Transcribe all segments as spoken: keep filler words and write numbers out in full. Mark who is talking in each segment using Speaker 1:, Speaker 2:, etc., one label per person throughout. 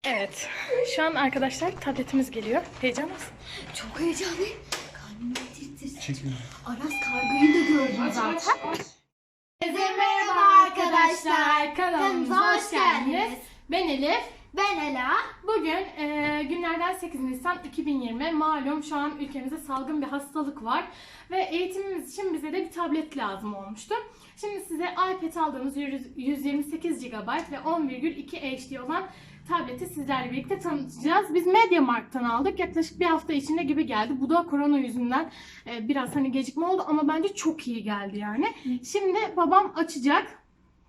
Speaker 1: Evet, şu an arkadaşlar tabletimiz geliyor. Heyecan mısın?
Speaker 2: Çok heyecanlıyım. Kalbim tir Aras kargoyu da gördüm zaten. Herkese merhaba arkadaşlar.
Speaker 1: Kanalımıza hoş geldiniz. Ben Elif.
Speaker 2: Ben Ela.
Speaker 1: Bugün e, günlerden sekiz Nisan iki bin yirmi. Malum şu an ülkemizde salgın bir hastalık var. Ve eğitimimiz için bize de bir tablet lazım olmuştu. Şimdi size iPad aldığımız yüz yirmi sekiz gigabayt ve on virgül iki H D olan tableti sizlerle birlikte tanıtacağız. Biz MediaMarkt'tan aldık. Yaklaşık bir hafta içinde gibi geldi. Bu da korona yüzünden e, biraz hani gecikme oldu ama bence çok iyi geldi yani. Şimdi babam açacak.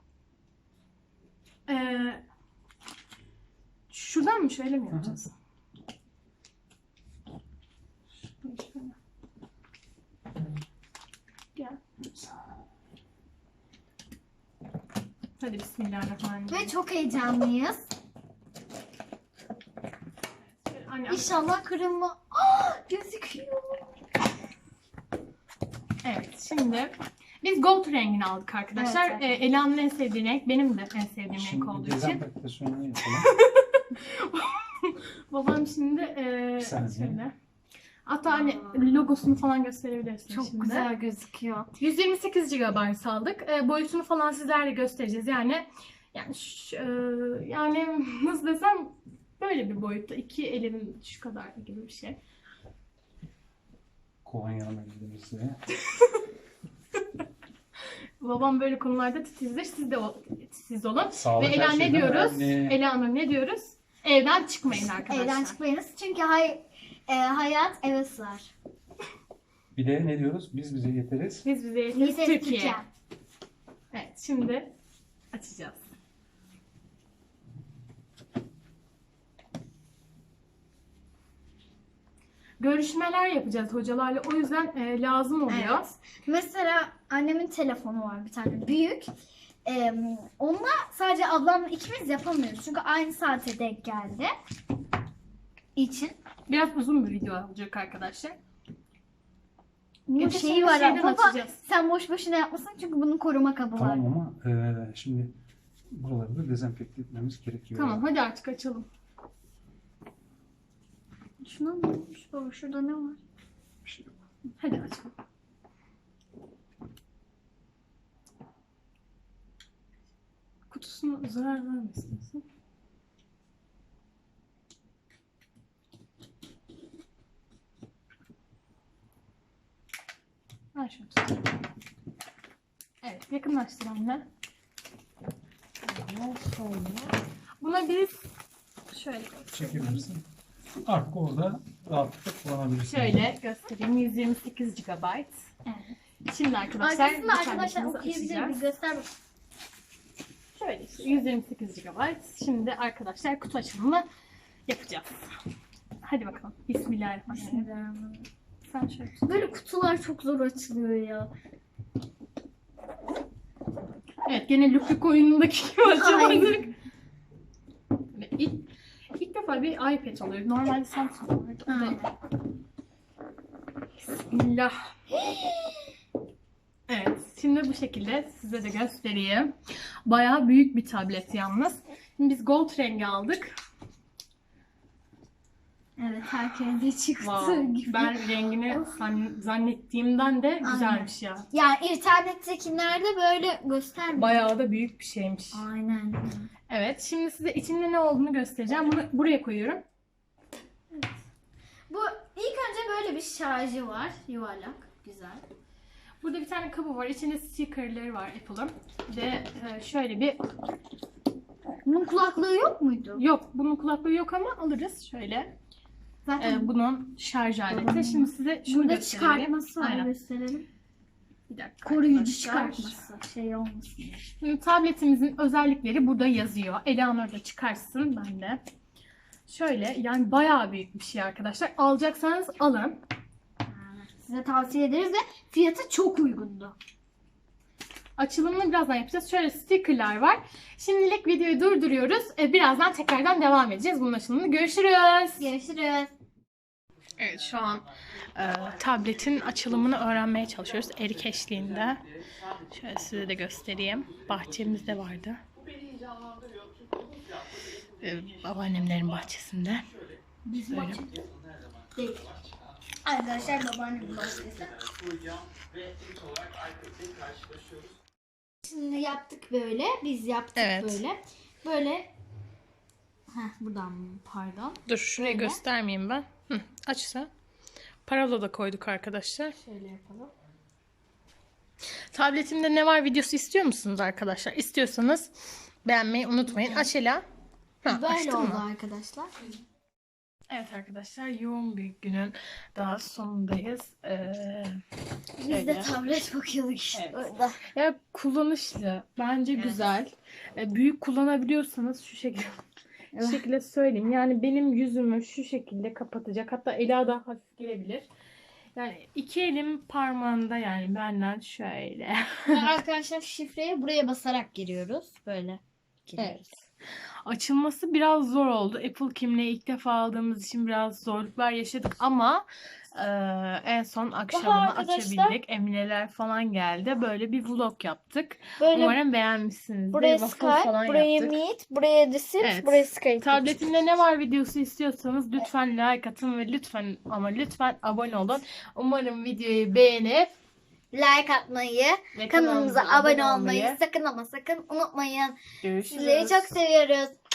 Speaker 1: Eee Şuradan mı şöyle mi yapacağız? Gel. Hadi bismillahirrahmanirrahim.
Speaker 2: Ve çok heyecanlıyız.
Speaker 1: Anne,
Speaker 2: İnşallah kırılma. Aa, gözüküyor.
Speaker 1: evet şimdi biz gold rengini aldık arkadaşlar.
Speaker 2: Evet,
Speaker 1: Ee, Ela'nın en sevdiği renk, benim de en sevdiğim
Speaker 3: Şimdi
Speaker 1: renk olduğu için.
Speaker 3: dezenfektasyonu yapalım.
Speaker 1: Babam şimdi e,
Speaker 3: Saniye.
Speaker 1: şöyle. Hatta hani logosunu falan gösterebilirsin
Speaker 2: Çok
Speaker 1: şimdi.
Speaker 2: güzel gözüküyor.
Speaker 1: yüz yirmi sekiz gigabayt aldık. E, boyutunu falan sizlerle göstereceğiz. Yani yani şu, e, yani nasıl desem böyle bir boyutta. İki elimin şu kadar gibi bir şey.
Speaker 3: Kolonya bildiğimizde.
Speaker 1: Babam böyle konularda titizdir. Siz de o, titiz olun.
Speaker 3: Sağlık
Speaker 1: Ve Ela
Speaker 3: her
Speaker 1: ne
Speaker 3: şeyden
Speaker 1: diyoruz?
Speaker 3: önemli.
Speaker 1: Ela Hanım ne diyoruz? Evden çıkmayın arkadaşlar.
Speaker 2: Evden çıkmayınız çünkü hay, e, hayat eve sığar.
Speaker 3: Bir de ne diyoruz? Biz bize yeteriz.
Speaker 1: Biz bize yeteriz
Speaker 2: Yeteriz
Speaker 1: Türkiye.
Speaker 2: Türkiye.
Speaker 1: Evet şimdi açacağız. Görüşmeler yapacağız hocalarla. O yüzden e, lazım oluyor.
Speaker 2: Evet. Mesela annemin telefonu var bir tane büyük. Ee, onunla sadece ablamla ikimiz yapamıyoruz. Çünkü aynı saate denk geldi. İçin.
Speaker 1: Biraz uzun bir video olacak arkadaşlar.
Speaker 2: Bu
Speaker 1: Öteki
Speaker 2: şeyi var
Speaker 1: şeyden
Speaker 2: ama baba,
Speaker 1: açacağız.
Speaker 2: sen boş boşuna yapmasın çünkü bunun koruma kabı var.
Speaker 3: Tamam ama e, şimdi buraları da dezenfekte etmemiz gerekiyor.
Speaker 1: Tamam hadi artık açalım.
Speaker 2: Şuna ne olmuş baba? Şurada ne var?
Speaker 3: Bir şey yok.
Speaker 1: Hadi açalım. Kutusuna zarar vermesin. Ver şunu tut. Evet, yakınlaştır anne. Buna biz şöyle
Speaker 3: Çekebilirsin. Artık orada rahatlıkla kullanabilirsin.
Speaker 1: şöyle göstereyim. yüz yirmi sekiz gigabayt.
Speaker 2: Evet.
Speaker 1: Şimdi arkadaşlar
Speaker 2: Arkasında
Speaker 1: bir
Speaker 2: arkadaşlar
Speaker 1: tanesini
Speaker 2: okuyabilir
Speaker 1: açacağız.
Speaker 2: bir göster bak.
Speaker 1: Şöyle işte yüz yirmi sekiz gigabayt. Şimdi arkadaşlar kutu açılımını yapacağız. Hadi bakalım. Bismillahirrahmanirrahim.
Speaker 2: Bismillahirrahmanirrahim.
Speaker 1: Sen şöyle tut.
Speaker 2: Böyle kutular çok zor açılıyor ya.
Speaker 1: Evet gene Lupik oyunundaki gibi açamadık. Ve İlk, ilk defa bir iPad oluyor. Normalde Samsung vardı.
Speaker 2: Aynen.
Speaker 1: Bismillah. Evet, şimdi bu şekilde size de göstereyim. Bayağı büyük bir tablet yalnız. Şimdi biz gold rengi aldık.
Speaker 2: Evet herkese çıktı
Speaker 1: Wow.
Speaker 2: gibi.
Speaker 1: Ben rengini zan- zannettiğimden de güzelmiş ya.
Speaker 2: Yani internettekilerde böyle göstermiyor.
Speaker 1: Bayağı da büyük bir şeymiş.
Speaker 2: Aynen.
Speaker 1: Evet, şimdi size içinde ne olduğunu göstereceğim. Bunu buraya koyuyorum.
Speaker 2: Bu ilk önce böyle bir şarjı var. Yuvarlak. Güzel.
Speaker 1: Burada bir tane kabı var. İçinde stickerları var Apple'ın. Bir de e, şöyle bir...
Speaker 2: Bunun kulaklığı yok muydu?
Speaker 1: Yok, bunun kulaklığı yok ama alırız. Şöyle.
Speaker 2: Zaten
Speaker 1: E, bunun şarj aleti. Şimdi size şunu
Speaker 2: burada
Speaker 1: göstereyim.
Speaker 2: çıkartması var.
Speaker 1: Aynen.
Speaker 2: Gösterelim.
Speaker 1: Bir dakika
Speaker 2: Koruyucu
Speaker 1: arkadaşlar.
Speaker 2: çıkartması. Şey olmasın.
Speaker 1: Şimdi tabletimizin özellikleri burada yazıyor. Eleanor da çıkarsın, ben de. Şöyle, yani bayağı büyük bir şey arkadaşlar. Alacaksanız alın.
Speaker 2: Size tavsiye ederiz ve fiyatı çok uygundu.
Speaker 1: Açılımını birazdan yapacağız. Şöyle stickerlar var. Şimdilik videoyu durduruyoruz. Ee, Birazdan tekrardan devam edeceğiz. Bunun açılımını görüşürüz.
Speaker 2: Görüşürüz.
Speaker 1: Evet, şu an e, tabletin açılımını öğrenmeye çalışıyoruz. Erik eşliğinde. Şöyle size de göstereyim. Bahçemizde vardı. Ee, babaannemlerin bahçesinde.
Speaker 2: Bizim
Speaker 1: Böyle.
Speaker 2: bahçe değil. Arkadaşlar babaannemin bahçesi. Şimdi yaptık böyle. Biz yaptık
Speaker 1: Evet.
Speaker 2: böyle. Böyle. Heh, buradan pardon.
Speaker 1: Dur şurayı
Speaker 2: Böyle.
Speaker 1: göstermeyeyim ben. Hı, açsa. Parola da koyduk arkadaşlar.
Speaker 2: Şöyle yapalım.
Speaker 1: Tabletimde ne var videosu istiyor musunuz arkadaşlar? İstiyorsanız beğenmeyi unutmayın. Aç Ela. Ha,
Speaker 2: Böyle
Speaker 1: açtın
Speaker 2: oldu
Speaker 1: mı?
Speaker 2: arkadaşlar.
Speaker 1: Evet arkadaşlar, yoğun bir günün daha sonundayız. Ee,
Speaker 2: Biz de
Speaker 1: şöyle.
Speaker 2: tablet bakıyorduk işte
Speaker 1: Evet.
Speaker 2: orada.
Speaker 1: Ya kullanışlı. Bence güzel. Ee, büyük kullanabiliyorsanız şu şekilde şu şekilde söyleyeyim. Yani benim yüzümü şu şekilde kapatacak. Hatta Ela daha hafif gelebilir. Yani iki elim parmağında, yani benden şöyle.
Speaker 2: Arkadaşlar şifreye buraya basarak giriyoruz. Böyle giriyoruz.
Speaker 1: Evet. Açılması biraz zor oldu. Apple kimliği ilk defa aldığımız için biraz zorluklar yaşadık ama e, en son akşamını
Speaker 2: arkadaşlar-
Speaker 1: açabildik. Emineler falan geldi. Böyle bir vlog yaptık.
Speaker 2: Böyle
Speaker 1: Umarım beğenmişsinizdir.
Speaker 2: buraya
Speaker 1: Waffle
Speaker 2: Skype,
Speaker 1: falan
Speaker 2: buraya
Speaker 1: yaptık.
Speaker 2: Meet, buraya Discord,
Speaker 1: Evet.
Speaker 2: buraya Skype.
Speaker 1: Tabletimde ne var videosu istiyorsanız lütfen like atın ve lütfen ama lütfen abone olun. Umarım videoyu beğenip
Speaker 2: Like atmayı,
Speaker 1: ve
Speaker 2: kanalımıza abone olmayı sakın ama sakın unutmayın.
Speaker 1: Görüşürüz.
Speaker 2: Sizleri çok seviyoruz.